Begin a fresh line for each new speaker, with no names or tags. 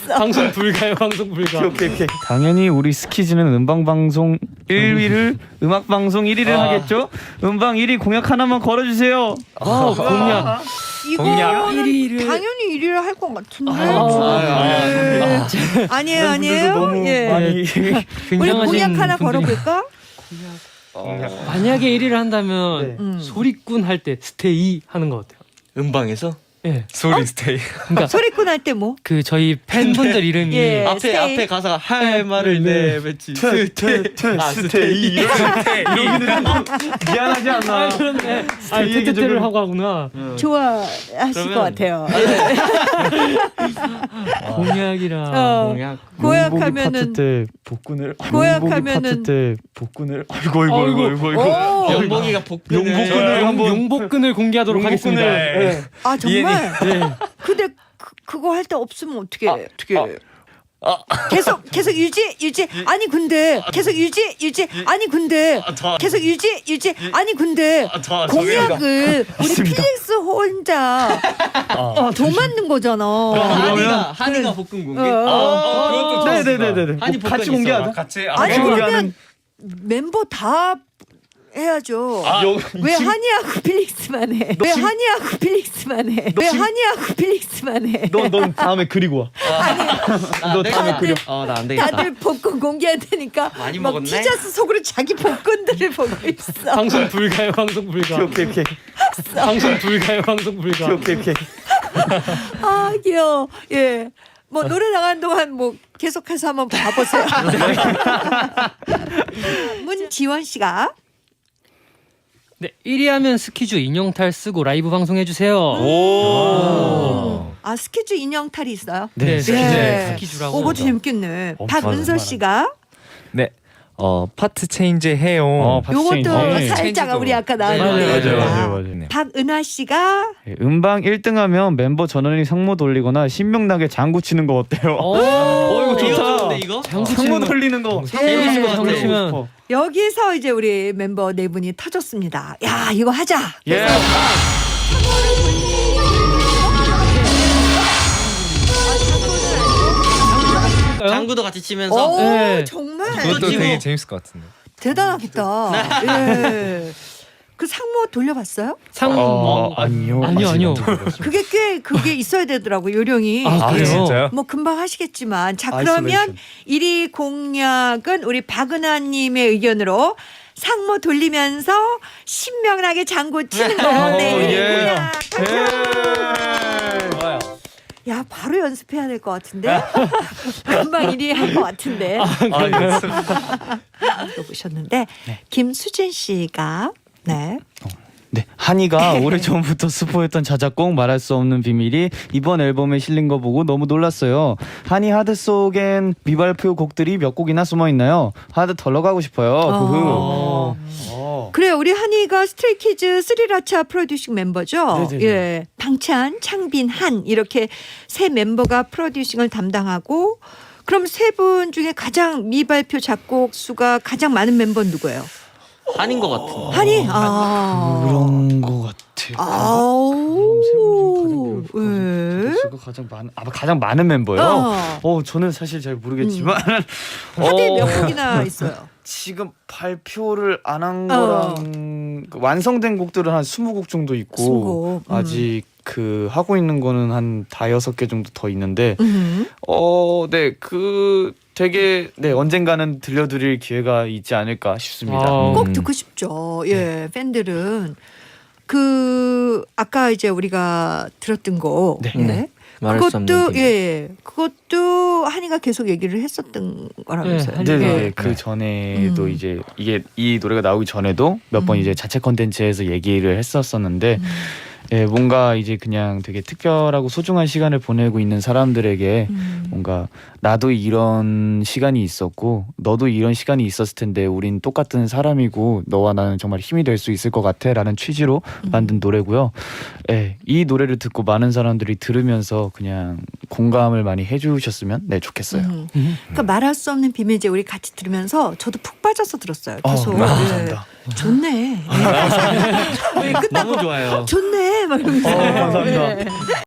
방송 불가요, 방송 불가.
오케이. 당연히 우리 스키즈는 음방방송 1위를 음악방송 1위를 하겠죠? 음방 1위 공약 하나만 걸어주세요.
공약.
이거는
1위를
당연히 1위를 할 것 같은데. 아니에요, 아니에요.
너무
예.
많이
우리
굉장하신
공약 하나
분들이-
걸어볼까?
만약에 1위를 한다면
네.
소리꾼 할 때 스테이 하는 거 어때요?
음방에서
예.
소리 스테이.
그러니까
소리꾼 할 때 뭐?
그 저희 팬분들 이름이
예. 스테이.
앞에 가사가 할 말을 내뱉지.
스테이 이러기는 미안하지 않나?
그런데
스테이 얘기
테테테를
조금-
하고 하구나.
좋아하실
그러면-
것 같아요.
공약이라
공약.
고약하면은
파트 때 복근을
고약하면은-
파트 때 복근을 아이고
오!
연복이가 복근을
용복근을 한번
용복근을 공개하도록 하겠습니다.
아 정말?
네.
근데 그거 할 때 없으면 어떻게 계속 유지 아니 근데 계속 유지 아니 근데 계속 유지 아니 근데 공약을 우리 필릭스 혼자 더 만든 거잖아.
한이가 복근 공개.
어.
네네네네
한이 복근
같이 공개하자.
같이
아니
그거
그러면
하는-
멤버 다 해야죠. 왜 한이하고 필릭스만 해? 왜 한이하고 필릭스만 해? 왜 한이하고 필릭스만 해?
넌 다음에 그리고 와. 너 다음에 그려.
나 안 되겠다.
다들 복근 공개해야 되니까
많이
막
먹었네?
티저스 속으로 자기 복근들을 보고 있어.
방송 불가요, 방송 불가.
오케이.
방송 불가요, 방송 불가.
오케이.
아 귀여워. 예. 뭐 노래 나가는 동안 뭐 계속해서 한번 봐보세요. 문지원 씨가
네, 1위 하면 스키주 인형탈 쓰고 라이브 방송해 주세요.
아 스케줄 인형탈이 있어요.
네,
네.
스키주라고.
그것도 재밌겠네. 박은서 씨가
네. 파트 체인지 해요.
요것도 살짝
체인지도-
우리 아까 나온
맞아요,
얘기다.
맞아요.
네.
박은하 씨가
음방 1등하면 멤버 전원이 상모 돌리거나 신명나게 장구 치는 거 어때요?
이거
이거
좋다.
좋은데 이거?
장구
상모
치는 거.
돌리는 거.
재밌을 것 같아.
장구 치면
여기서 이제 우리 member 네 분이 터졌습니다. 야 이거 하자.
예.
장구도 같이 치면서
오
네.
정말
그것도
치고.
되게 재밌을 것 같은데.
대단하겠다. 예. 그 상모 돌려봤어요?
아니요.
아니요.
그게 있어야 되더라고 요령이.
아, 그래요?
진짜요?
뭐 금방 하시겠지만 자 그러면 1위 공약은 우리 박은하님의 의견으로 상모 돌리면서 신명나게 장구 치는 거. 네.
예.
공약.
좋아요.
야 바로 연습해야 될 것 같은데 금방 1위 할 것 같은데 보셨는데 김수진 씨가 네.
네, 한이가 오래전부터 스포했던 자작곡 말할 수 없는 비밀이 이번 앨범에 실린 거 보고 너무 놀랐어요. 한이 하드 속엔 미발표 곡들이 몇 곡이나 숨어 있나요? 하드 덜러 가고 싶어요.
어. 그래요. 우리 한이가 스트레이키즈 스리라차 프로듀싱 멤버죠.
네네네.
예, 방찬, 창빈, 한 이렇게 세 멤버가 프로듀싱을 담당하고 그럼 세 분 중에 가장 미발표 작곡 수가 가장 많은 멤버는 누구예요?
한인 것 같은.
한이. 아.
그런 거 같아요.
아우. 예.
수가 가장 많은 멤버요. 저는 사실 잘 모르겠지만
하드에 몇 곡이나 있어요?
지금 발표를 안 한 거랑 그 완성된 곡들은 한 20곡 정도 있고
20곡.
아직 그 하고 있는 거는 한 5-6개 정도 더 있는데 네, 그 되게 언젠가는 들려드릴 기회가 있지 않을까 싶습니다.
꼭 듣고 싶죠. 예, 팬들은 그 아까 이제 우리가 들었던 거.
네.
네.
말할 수 없는
그것도
비밀.
예, 그것도 한이가 계속 얘기를 했었던 거라면서요.
네,
네네.
예.
그 전에도 이제 이 노래가 나오기 전에도 몇 번 이제 자체 컨텐츠에서 얘기를 했었었는데 예, 뭔가 이제 그냥 되게 특별하고 소중한 시간을 보내고 있는 사람들에게 뭔가 나도 이런 시간이 있었고 너도 이런 시간이 있었을 텐데 우린 똑같은 사람이고 너와 나는 정말 힘이 될 수 있을 것 같아 라는 취지로 만든 노래고요. 예, 이 노래를 듣고 많은 사람들이 들으면서 그냥 공감을 많이 해주셨으면 좋겠어요.
그러니까 말할 수 없는 비밀 이제 우리 같이 들으면서 저도 푹 빠져서 들었어요. 계속.
감사합니다.
좋네. 예, 끝나고
너무 좋아요.
좋네. 막 이러면서.
감사합니다.
예.